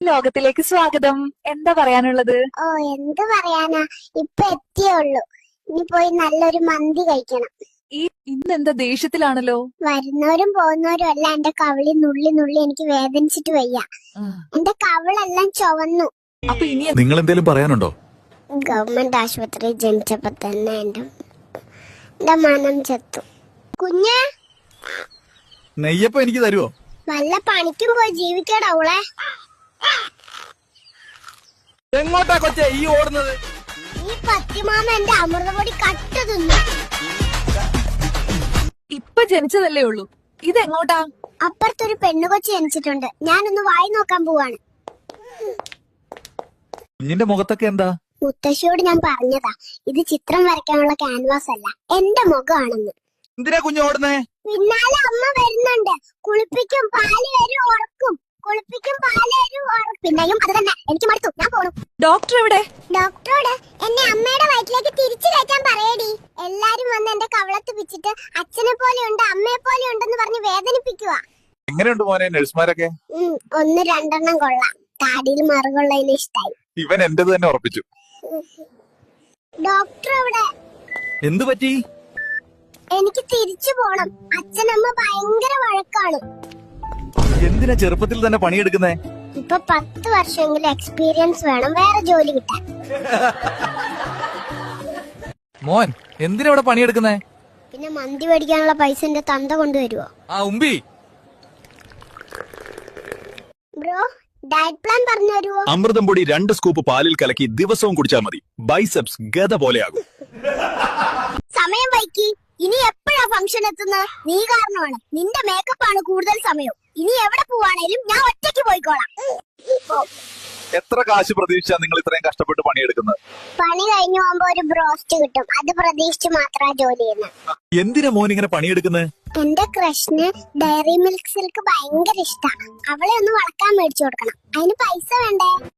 ലോകത്തിലേക്ക് സ്വാഗതം. എന്താ പറയാനുള്ളത്? ഓ, എന്ത് പറയാനാ, ഇപ്പൊ എത്തിയുള്ളൂ. ഇനി പോയി നല്ലൊരു മന്തി കഴിക്കണം. ഇന്നെന്താ ദേഷ്യത്തിലാണല്ലോ? വരുന്നവരും പോകുന്നവരും എല്ലാം എന്റെ കവിളി നുള്ളി നുള്ളി എനിക്ക് വേദനിച്ചിട്ട് വയ്യ. എന്റെ കവിളെല്ലാം ചുവന്നു. അപ്പൊ ഇനി നിങ്ങൾ എന്തേലും പറയാനുണ്ടോ? ഗവൺമെന്റ് ആശുപത്രി ജനിച്ചപ്പോ തന്നെ എന്റെ മനം ചത്തു. കുഞ്ഞ്, നെയ്യപ്പം എനിക്ക് തരുവോ? വല്ല പണിക്കും പോയി ജീവിക്കടാ അവളെ. എങ്ങോട്ടാ കൊച്ചേ ഈ ഓടുന്നത്? ഈ പത്തിമാമ എന്റെ അമൃതപൊടി കട്ട് തിന്നു. ഇപ്പൊ ജനിച്ചതല്ലേ ഉള്ളൂ, ഇതെങ്ങോട്ടാ? അപ്പുറത്തൊരു പെണ്ണുകൊച്ചി ജനിച്ചിട്ടുണ്ട്, ഞാനൊന്ന് വായി നോക്കാൻ പോവാണ്. കുഞ്ഞിന്റെ മുഖത്തൊക്കെ എന്താ? മുത്തശ്ശിയോട് ഞാൻ പറഞ്ഞതാ, ഇത് ചിത്രം വരയ്ക്കാനുള്ള ക്യാൻവാസ് അല്ല, എന്റെ മുഖമാണെന്ന്. എന്തിനാ കുഞ്ഞ് ഓടുന്നേ? പിന്നാലെ അമ്മ വരുന്നുണ്ട്. കുളിപ്പിക്കും, പാല് വരും, ഉറക്കും. കുളിപ്പിക്കും, പാല് വരും, ഉറക്കും. പിന്നെയും അത് തന്നെ. എനിക്ക് മടുത്തു, ഞാൻ പോണു. ഡോക്ടർ എവിടെ? ഡോക്ടറോട് എന്നെ അമ്മയുടെ വയറ്റിലേക്ക് തിരിച്ചു കയറ്റാൻ പറയടി. എല്ലാരും വന്ന് എന്റെ കവളത്ത് പിച്ചിട്ട് അച്ഛനെ പോലെ ഉണ്ട്, അമ്മയെ പോലെ ഉണ്ടെന്ന് പറഞ്ഞ് വേദനിപ്പിക്കുക. എങ്ങനെയുണ്ട് മോനെ നഴ്സുമാരൊക്കെ? ഒന്ന് രണ്ടെണ്ണം കൊള്ളാം. താടിയിൽ മറുകൊള്ളതിന് ഇഷ്ടായി. ഇവൻ എന്റേത് തന്നെ ഉറപ്പിച്ചു. ഡോക്ടർ എവിടെ? എന്തു പറ്റി? എനിക്ക് തിരിച്ചു പോണം. അച്ഛനമ്മ ഭയങ്കര വഴക്കാണ്. എന്തിനാ ചെറുപ്പത്തിൽ തന്നെ പണിയെടുക്കുന്നേ? ഇപ്പൊ 10 വർഷമെങ്കിലും എക്സ്പീരിയൻസ് വേണം വേറെ ജോലി കിട്ടാൻ. മോൻ എന്തിനാ ഇവിടെ പണിയെടുക്കുന്നേ? പിന്നെ മന്തി മേടിക്കാനുള്ള പൈസ എന്റെ തന്ത കൊണ്ടുവരുവോ? ആ ഉമ്പി. ബ്രോ, ഡയറ്റ് പ്ലാൻ പറഞ്ഞു തരുവോ? അമൃതം പൊടി 2 സ്കൂപ്പ് പാലിൽ കലക്കി ദിവസവും കുടിച്ചാൽ മതി. ബൈസെപ്സ് ഗദ പോലെയാകും. സമയം വൈകി. ഇനി എപ്പോഴാ ഫംഗ്ഷൻ എത്തുന്നത്? നീ കാരണമാണ്. നിന്റെ മേക്കപ്പ് ആണ് കൂടുതൽ സമയം. ഇനി എവിടെ പോവാണേലും ഞാൻ ഒറ്റയ്ക്ക് പോയിക്കോളാം. എത്ര കാശ് പ്രതീക്ഷിച്ചാ നിങ്ങൾ ഇത്രയും കഷ്ടപ്പെട്ട് പണിയെടുക്കുന്നത്? പണി കഴിഞ്ഞു പോകുമ്പോ ഒരു ബ്രോസ്റ്റ് കിട്ടും, അത് പ്രതീക്ഷിച്ച് മാത്രമാ ജോലി ചെയ്യുന്നത്. എന്തിനാ മോൻ ഇങ്ങനെ പണിയെടുക്കുന്നത്? എന്റെ ക്രഷിന് ഡയറി മിൽക്ക് സിൽക്ക് ഭയങ്കര ഇഷ്ടാ. അവളെ ഒന്ന് വളക്കാൻ മേടിച്ചു കൊടുക്കണം. അതിന് പൈസ വേണ്ടേ?